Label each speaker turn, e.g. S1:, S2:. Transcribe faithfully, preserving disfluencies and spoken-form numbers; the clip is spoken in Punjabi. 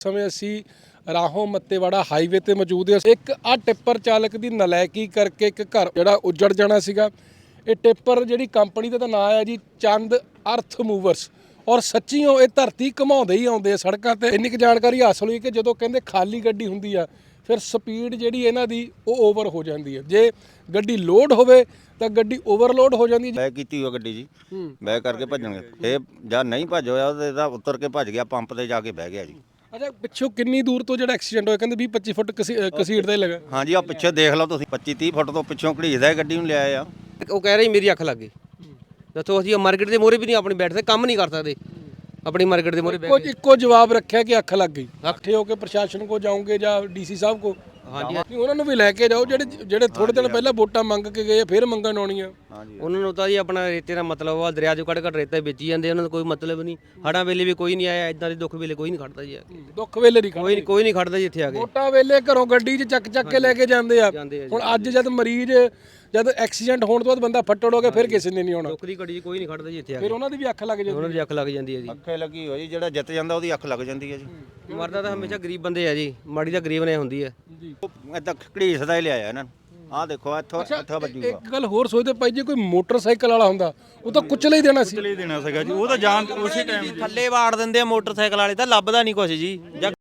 S1: ਸਮੇਂ ਅਸੀਂ ਰਾਹੋਂ ਮੱਤੇਵਾੜਾ ਹਾਈਵੇ ਤੇ ਮੌਜੂਦ ਹਾਂ। ਇੱਕ ਆ ਟਿੱਪਰ ਚਾਲਕ ਦੀ ਨਲਾਇਕੀ ਕਰਕੇ ਇੱਕ ਘਰ ਜਿਹੜਾ ਉੱਜੜ ਜਾਣਾ ਸੀਗਾ। ਇਹ ਟਿੱਪਰ ਜਿਹੜੀ ਕੰਪਨੀ ਦਾ ਤਾਂ ਨਾਂ ਹੈ ਜੀ ਚੰਦ ਅਰਥ ਮੂਵਰਸ, ਔਰ ਸੱਚੀਓ ਇਹ ਧਰਤੀ ਘਮਾਉਂਦੇ ਹੀ ਆਉਂਦੇ ਆ ਸੜਕਾਂ ਤੇ। ਇੰਨੀ ਕੁ ਜਾਣਕਾਰੀ ਹਾਸਲ ਹੋਈ ਕਿ ਜਦੋਂ ਕਹਿੰਦੇ ਖਾਲੀ ਗੱਡੀ ਹੁੰਦੀ ਆ ਫਿਰ ਸਪੀਡ ਜਿਹੜੀ ਇਹਨਾਂ ਦੀ ਉਹ ਓਵਰ ਹੋ ਜਾਂਦੀ ਹੈ। ਜੇ ਗੱਡੀ ਲੋਡ ਹੋਵੇ ਤਾਂ ਗੱਡੀ ਓਵਰਲੋਡ ਹੋ ਜਾਂਦੀ ਹੈ।
S2: ਬੈਕ ਕੀਤੀ ਹੋਈ ਗੱਡੀ ਜੀ, ਬੈਕ ਕਰਕੇ ਭੱਜਣਗੇ। ਇਹ ਜਾਂ ਨਹੀਂ ਭੱਜ ਹੋਇਆ ਤੇ ਇਹਦਾ ਉੱਤਰ ਕੇ ਭੱਜ ਗਿਆ, ਪੰਪ ਤੇ ਜਾ ਕੇ ਬਹਿ ਗਿਆ ਜੀ।
S1: ਅੱਛਾ, ਪਿੱਛੋਂ ਕਿੰਨੀ ਦੂਰ ਤੋਂ ਜਿਹੜਾ ਐਕਸੀਡੈਂਟ ਹੋਇਆ? ਕਹਿੰਦੇ ਵੀਹ ਪੱਚੀ ਫੁੱਟ ਕਸੀੜ ਦਾ ਹੀ ਲੱਗਾ।
S2: ਹਾਂਜੀ, ਆ ਪਿੱਛੇ ਦੇਖ ਲਓ ਤੁਸੀਂ, ਪੱਚੀ ਤੀਹ ਫੁੱਟ ਤੋਂ ਪਿੱਛੋਂ ਘੜੀਸਦਾ ਗੱਡੀ ਨੂੰ ਲਿਆਏ ਆ।
S3: ਉਹ ਕਹਿ ਰਹੀ ਮੇਰੀ ਅੱਖ ਲੱਗ ਗਈ। ਦੱਸੋ ਅਸੀਂ ਮਾਰਕੀਟ ਦੇ ਮੋਹਰੇ ਵੀ ਨਹੀਂ ਆਪਣੀ ਬੈਠਦੇ, ਕੰਮ ਨਹੀਂ ਕਰ ਸਕਦੇ ਆਪਣੀ ਮਾਰਕੀਟ ਦੇ ਮੋਹਰੇ ਬੈਠ ਕੇ।
S1: ਇੱਕੋ ਜਵਾਬ ਰੱਖਿਆ ਕਿ ਅੱਖ ਲੱਗ ਗਈ। ਇਕੱਠੇ ਹੋ ਕੇ ਪ੍ਰਸ਼ਾਸਨ ਕੋ ਜਾਓਗੇ ਜਾਂ ਡੀਸੀ ਸਾਹਿਬ ਕੋ?
S3: ਹਾਂਜੀ,
S1: ਉਹਨਾਂ ਨੂੰ ਵੀ ਲੈ ਕੇ ਜਾਓ ਜਿਹੜੇ ਜਿਹੜੇ ਥੋੜੇ ਦਿਨ ਪਹਿਲਾਂ ਵੋਟਾਂ ਮੰਗ ਕੇ ਗਏ ਫਿਰ ਮੰਗਣ ਆਉਣੀਆਂ।
S3: ਉਹਨਾਂ ਨੂੰ ਤਾਂ ਜੀ ਆਪਣਾ ਰੇਤੇ ਦਾ ਮਤਲਬ ਆ, ਦਰਿਆ ਚੋਂ ਕੱਢ ਕੱਢ ਰੇਤਾ ਵੇਚੀ ਜਾਂਦੇ, ਉਹਨਾਂ ਦਾ ਕੋਈ ਮਤਲਬ ਨਹੀਂ। ਹੜ੍ਹਾਂ ਵੇਲੇ ਵੀ ਕੋਈ ਨਹੀਂ ਆਇਆ, ਇਦਾਂ ਦੇ ਦੁੱਖ ਵੇਲੇ ਕੋਈ ਨਹੀਂ ਖੜਦਾ ਜੀ।
S1: ਦੁੱਖ ਵੇਲੇ ਨਹੀਂ
S3: ਕੋਈ ਕੋਈ ਨਹੀਂ ਖੜਦਾ ਜੀ ਇੱਥੇ ਆ ਕੇ।
S1: ਵੋਟਾਂ ਵੇਲੇ ਘਰੋਂ ਗੱਡੀ 'ਚ ਚੱਕ ਚੱਕ ਕੇ ਲੈ ਕੇ ਜਾਂਦੇ ਆ।
S3: ਜਾਂਦੇ ਆ ਜੀ।
S1: ਹੁਣ ਅੱਜ ਜਦ ਮਰੀਜ਼ ਜਦ ਐਕਸੀਡੈਂਟ ਹੋਣ ਤੋਂ ਬਾਅਦ ਬੰਦਾ ਫੱਟੜ ਹੋ ਗਿਆ ਫਿਰ ਕਿਸੇ ਨੇ ਨਹੀਂ ਆਉਣਾ।
S3: ਦੁੱਖ ਦੀ ਘੜੀ 'ਚ ਕੋਈ ਨਹੀਂ ਖੜਦਾ ਜੀ ਇੱਥੇ ਆ ਕੇ।
S1: ਫਿਰ ਉਹਨਾਂ ਦੀ ਵੀ ਅੱਖ ਲੱਗ ਜਾਂਦੀ।
S3: ਉਹਨਾਂ ਦੀ ਅੱਖ ਲੱਗ ਜਾਂਦੀ ਹੈ ਜੀ।
S2: ਅੱਖੇ ਲੱਗੀ ਹੋਈ, ਜਿਹੜਾ ਜਿੱਤ ਜਾਂਦਾ ਉਹਦੀ ਅੱਖ ਲੱਗ ਜਾਂਦੀ ਹੈ ਜੀ।
S3: ਮਰਦਾ ਤਾਂ ਹਮੇਸ਼ਾ ਗਰੀਬ ਬੰਦੇ ਆ ਜੀ, ਮਾੜੀ ਤਾਂ ਗਰੀਬ ਨੇ ਹੁੰਦੀ ਹੈ
S1: ਜੀ।
S2: ਇਦਾਂ ਘੜੀਸਦਾ ਹੀ ਲਿਆਇਆ ਇਹਨਾਂ ਨੂੰ। ਆਹ ਦੇਖੋ ਇੱਥੋਂ ਇੱਥੋਂ ਵੱਜੂਗਾ।
S1: ਇੱਕ ਗੱਲ ਹੋਰ ਸੋਚਦੇ ਭਾਈ, ਜੇ ਕੋਈ ਮੋਟਰਸਾਈਕਲ ਵਾਲਾ ਹੁੰਦਾ ਉਹ ਤਾਂ ਕੁਚਲੇ ਹੀ ਦੇਣਾ ਸੀ।
S4: ਕੁਚਲੇ ਹੀ ਦੇਣਾ ਸੀਗਾ ਜੀ, ਉਹ ਤਾਂ ਜਾਨ ਉਸੇ ਟਾਈਮ
S5: ਥੱਲੇ ਵਾੜ ਦਿੰਦੇ ਆ ਮੋਟਰਸਾਈਕਲ ਵਾਲੇ, ਤਾਂ ਲੱਭਦਾ ਨਹੀਂ ਕੁਛ ਜੀ।